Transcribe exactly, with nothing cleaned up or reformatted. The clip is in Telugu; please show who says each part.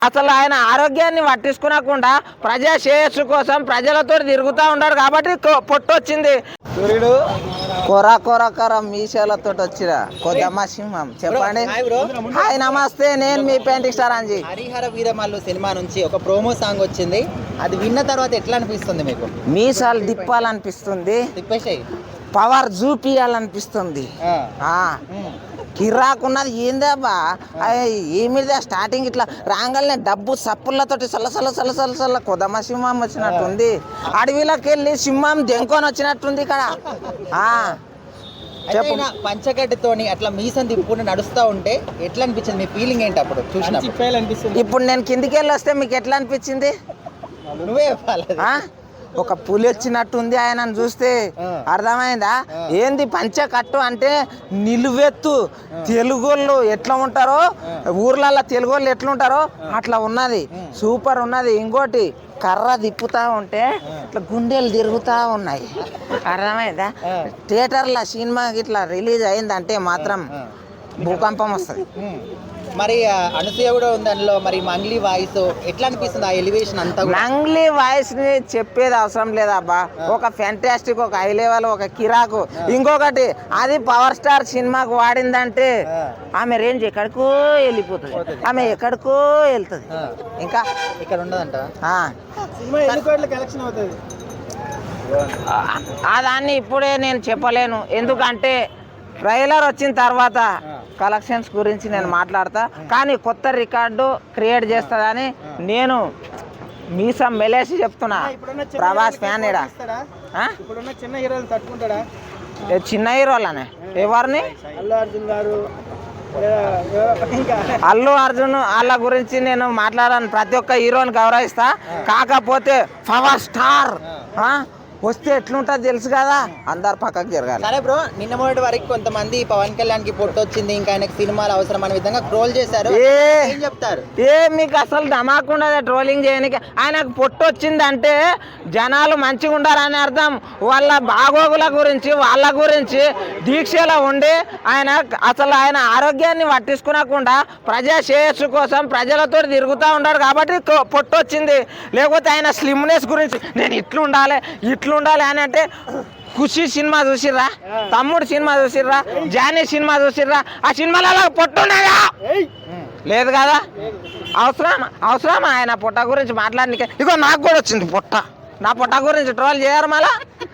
Speaker 1: అసలు ఆయన ఆరోగ్యాన్ని పట్టించుకోకుండా ప్రజా శ్రేయస్సు కోసం ప్రజలతో తిరుగుతూ ఉంటాడు కాబట్టి పొట్టొచ్చింది.
Speaker 2: సూర్యుడు
Speaker 1: కొర కొర కొర మీసాలతో వచ్చిన కొద్దమ్మ సింహం. చెప్పండి. హాయ్ నమస్తే, నేను మీ painting star Anji.
Speaker 2: Harihara Veeramallu cinema నుంచి ఒక ప్రోమో సాంగ్ వచ్చింది. అది విన్న తర్వాత ఎట్లా అనిపిస్తుంది మీకు?
Speaker 1: మీసాలు తిప్పాలనిపిస్తుంది,
Speaker 2: తిప్పేసాయి,
Speaker 1: పవర్ చూపియాలనిపిస్తుంది. కిరాకున్నది ఏందబ్బా, ఏమిదా స్టార్టింగ్ ఇట్లా రాగానే డబ్బు సప్పులతోటి సల్ల సల్ల సల్ల సల్ల సల్ల కొదమ సింహం వచ్చినట్టుంది. అడవిలోకి వెళ్ళి సింహం దెంకొని వచ్చినట్టుంది ఇక్కడ.
Speaker 2: చెప్పు. పంచగడ్డతోని అట్లా మీసం తిప్పుకుంటూ నడుస్తూ ఉంటే ఎట్లా అనిపించింది? మీ ఫీలింగ్ ఏంటి అప్పుడు చూసినప్పుడు?
Speaker 1: ఇప్పుడు నేను కిందికి వెళ్ళి వస్తే మీకు ఎట్లా అనిపించింది?
Speaker 2: నువ్వే చెప్పాలి.
Speaker 1: ఒక పులి వచ్చినట్టుంది ఆయనను చూస్తే, అర్థమైందా? ఏంది పంచకట్టు అంటే నిలువెత్తు. తెలుగోళ్ళు ఎట్లా ఉంటారో, ఊర్లలో తెలుగోళ్ళు ఎట్లుంటారో అట్లా ఉన్నది. సూపర్ ఉన్నది. ఇంకోటి కర్ర తిప్పుతా ఉంటే ఇట్లా గుండెలు తిరుగుతూ ఉన్నాయి. అర్థమైందా? థియేటర్లో సినిమా ఇట్లా రిలీజ్ అయిందంటే మాత్రం భూకంపం వస్తుంది.
Speaker 2: మరి అనసూయ కూడా ఉంది అందులో. మరి మంగ్లీ వాయిస్ ఎట్లా అనిపిస్తుంది? ఆ ఎలివేషన్ అంతా
Speaker 1: మంగ్లీ వాయిస్ ని చెప్పేది అవసరం లేదబ్బా. ఒక ఫ్యాంటాస్టిక్, ఒక హై లెవెల్, ఒక కిరాకు. ఇంకొకటి అది పవర్ స్టార్ సినిమాకు వాడిందంటే ఆమె రేంజ్ ఎక్కడికో వెళ్ళిపోతుంది, ఆమె ఎక్కడికో వెళ్తుంది. ఇంకా
Speaker 2: ఇక్కడ ఉండదంట.
Speaker 1: దాన్ని ఇప్పుడే నేను చెప్పలేను, ఎందుకంటే ట్రైలర్ వచ్చిన తర్వాత కలెక్షన్స్ గురించి నేను మాట్లాడతా. కానీ కొత్త రికార్డు క్రియేట్ చేస్తుందని నేను మీసం మెలేసి చెప్తున్నా. ప్రభాస్ ఫ్యాన్ ఇడా. చిన్న హీరోలనే ఎవరిని? అల్లు అర్జున్ వాళ్ళ గురించి నేను మాట్లాడాను. ప్రతి ఒక్క హీరోని గౌరవిస్తా. కాకపోతే పవర్ స్టార్ వస్తే ఎట్లుంటుంది తెలుసు కదా, అందరు పక్కకు జరగాలి.
Speaker 2: సరే బ్రో, నిన్న మొదటి వరకు కొంతమంది పవన్ కళ్యాణ్ కి పొట్టు వచ్చింది, ఇంకా ఆయనకి సినిమాలు అవసరం అనే విధంగా ట్రోల్ చేశారు. ఏం చెప్తారు?
Speaker 1: ఏ మీకు అసలు ధమాకుండా ట్రోలింగ్ చేయడానికి. ఆయనకు పొట్టు వచ్చింది అంటే జనాలు మంచిగా ఉండాలని అర్థం. వాళ్ళ బాగోగుల గురించి వాళ్ళ గురించి దీక్షలో ఉండి ఆయన అసలు ఆయన ఆరోగ్యాన్ని పట్టించుకోకుండా ప్రజా శ్రేయస్సు కోసం ప్రజలతో తిరుగుతూ ఉంటాడు కాబట్టి పొట్టు వచ్చింది. లేకపోతే ఆయన స్లిమ్నెస్ గురించి నేను ఇట్లు ఉండాలి ఇట్లు ఉండాలి అని అంటే, ఖుషి సినిమా చూసిర్రా, తమ్ముడు సినిమా చూసిర్రా, జానీ సినిమా చూసిర్రా, ఆ సినిమాలలో పొట్టున్నాయా? లేదు కదా. అవసరం అవసరం ఆయన పొట్ట గురించి మాట్లాడడానికి? ఇగో నాకు కూడా వచ్చింది పొట్ట, నా పొట్ట గురించి ట్రోల్ చేయరు మళ్ళా.